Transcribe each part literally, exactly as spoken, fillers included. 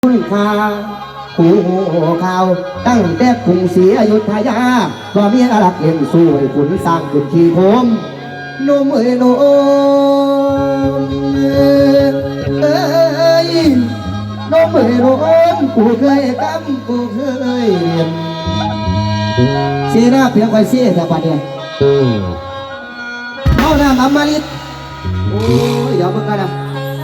คุณค่าหูข่าวตั้งแต่กรุงศรีอยุธยาว่ามีอารักเล่นสู้ให้ขุนสร้างขึ้นที่โคมโนมเอ้ยโนมเอ้ยโนมเอ้ยโนมกูเคยกำกูเคยเรียนเสียหน้าเพียงไว้เสียแต่ปัดเนี่ยเข้าหน้ามัมมาลิดโอ้ยเดี๋ยวมึงกันนะ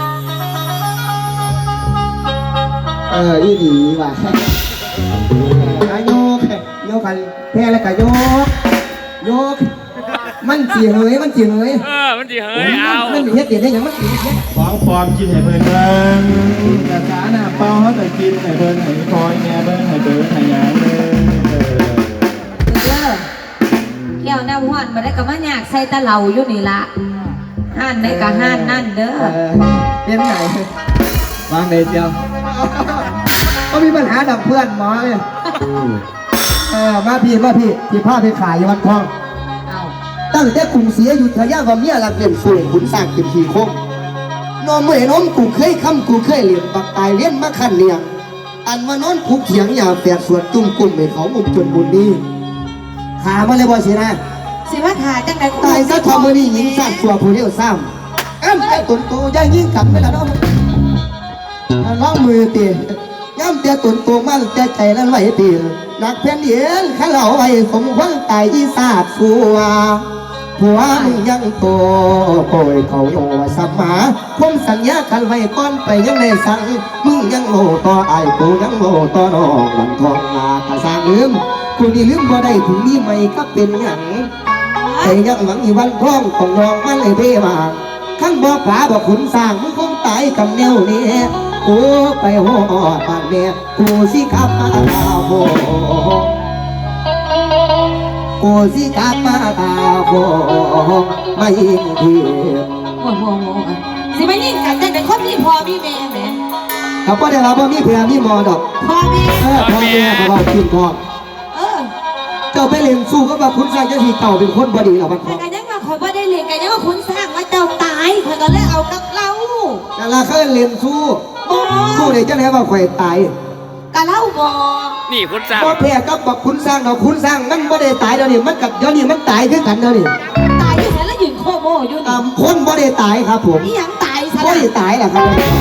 เอออีดีว่ะโยกโยกกันแพ้แล้วก็โยกโยกมันจีเหยมันจีเหยเออมันจีเหยเอามันมีเฮ็ดเด็ดได้ยังมันจีเฮ็ดของปลอมกินให้เบิ่งเบิ่งกระสาหน้าเป้าเขาแต่กินให้เบิ่งให้คอยแง่เบิ่งให้เบิ่งให้ยางเบิ่งเด้อแก้วน้ำห้อนมาได้กับมาอยากใส่ตะเหลาอยู่นี่ละห้านได้กับห้านนั่นเด้อเป็นไงวางเลยเจียวก็มีปัญหาดับเพื่อนหมอเลยเออมาพี่มาพี่ที่ผ้าไปขายวันทองตั้งแต่กรุงศรีอยุธยาว่าเมียหลักเล่นสวยขุนสร้างขึ้นทีโคงนอนเมื่อน้องกูเคยคำกูเคยเลี้ยงปักตายเลี้ยงมาขันเลี้ยงอันมานอนผูกเขียงยาแฝดสวดจุ่มกลุ่มให้เขามุมจนบุญดีขามาเลยบ่สินะสิว่าขาจังได๋ตายซะทอมือนี่หญิงสร้างตัวผู้เดียวซ้ำอ้ำไอ้ตุนโตย่างยิ่งกลับไปแล้วน้องน้องมือตีย่ำเตี้ยตุนโตมั่งใจใจนั้นไหวตีนักเพี้ยนเย็นข้าเหล่าไว้สมหวังตายอีสาดสัวผัวมึงยังโตโอยเขาโยสัมมาคงสัญญากันไว้ก่อนไปยังในสั่งมึงยังโง่ต่อไอ้กูยังโง่ต่อน้องหลังทองมากระสางลืมกูนี่ลืมบ่ได้ถึงนี่ไม่ก็เป็นอย่างแต่ยังหวังอีวันท้องต้องรองมันเลยเบ้มาข้างบ่อผาบ่ขุนสร้างมึงคงตายกับแนวนี้กูไปหอดบ้านแม่กูสิขับมาตาโบกูสิขับมาตาโบไม่ยิงทีโอ้โหสิมายิงกันจังได๋คนมีพ่อมีแม่แหมเขาก็ได้รับว่ามีเพื่อมีมอดอกพ่อแม่เออพ่อแม่เขาบอกกินพ่อเออเจ้าไปเลี้ยงสู้ก็แบบคุณสร้างเจ้าที่เก่าเป็นคนบดีหรอมันพ่อแต่ยังว่าข่อยบ่ได้เลี้ยงกันยังว่าคุณสร้างว่าเจ้าตายข่อยก็เลยเอากับเราแต่ละเคยเลี้ยงสู้สู้เลยเจ้าไหนว่าข่อยตายกะเล่าบ่นี่คุณสร้างพ่อแพ้กับบอกคุณสร้างเราคุณสร้างมันบ่ได้ตายเดี๋ยวนี้มันกับเดี๋ยวนี้มันตายขึ้นกันเดี๋ยวนี้ตายอยู่แล้วยืนโคโมอยู่นี่คนบ่ได้ตายครับผมนี่ยังตายซะบ่ได้ตายแหละครับ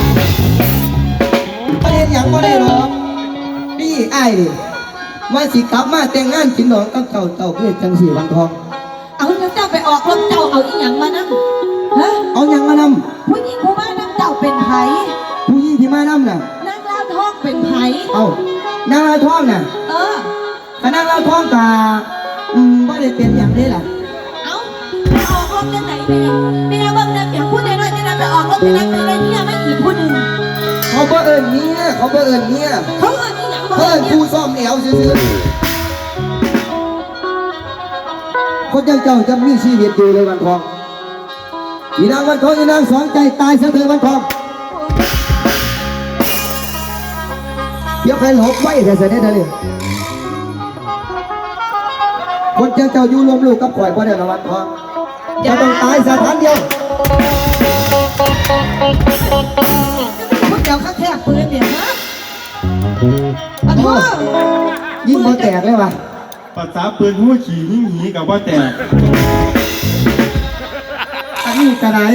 ประเด็นยังบ่ได้หรอกนี่ไอ้นี่มาสิกลับมาแต่งงานกินหนองกับเจ้าเจ้าเพื่อจังสีวันทองเอาแล้วเจ้าไปออกรถเจ้าเอาอีหยังมานั่งฮะเอาหยังมานำผู้หญิงผู้มานั่งเจ้าเป็นไผผู้หญิงที่มานำน่ะนางลาวทองเป็นไผเอานางลาวทองน่ะเออถ้านางลาวทองกะอืมบ่ได้เป็นอย่างนี้ล่ะเอาไปออกรถกันไหนแม่แม่เบิ่งนะเดี๋ยวพูดน้อยๆจะนำไปออกรถจะนำไปได้เนี่ยไม่อีกผู้หนึ่งเขาบ่เอิ้นเมียเขาบ่เอิ้นเมียเขาเอิ้นอีหยังบ่เอิ้นผู้ซ่อมแอวซื่อๆคนอย่างเจ้าจะมีชีวิตอยู่เลยวันทองอีนางวันทองอีนางสองใจตายเสียเถิดวันทองเดี๋ยวใครหลบไว้แต่เสด็จเลยคนอย่างเจ้าอยู่รวมลูกกับข่อยบ่ได้ละวันทองจะต้องตายสถานเดียวพูดเดี๋ยวข้าแค่ปืนเดี๋ยวนะอะโธ่ยิงบ่แตกเลยว่ะภาษาปืนหัวขี่ยิ่งหีกับว่าแตกอันนี้กระไร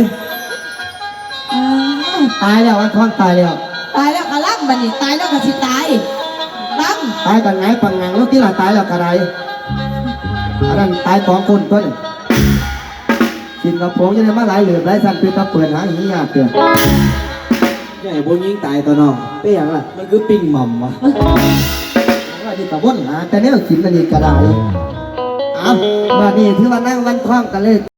ตายแล้ววันทองตายแล้วตายแล้วก็ล่ำบัดนี้ตายแล้วก็สิตายล่ำตายกันไงปังงังแล้วที่ละตายแล้วกระไรอันนั้นตายสองคนต้นสิงคโปร์ยังได้มาหลายเหลือหลายสันเป็นตะเปิดหาอย่างนี้ยากเกินใหญ่โบยิงตายตัวน้องเปี้ยงล่ะมันคือปิ้งหม่อมวะว่าที่ตะวันหาแต่เนี้ยกินมันนี่กระไรอ่ะมานี่ถือว่านั่งวันคล้องกันเลย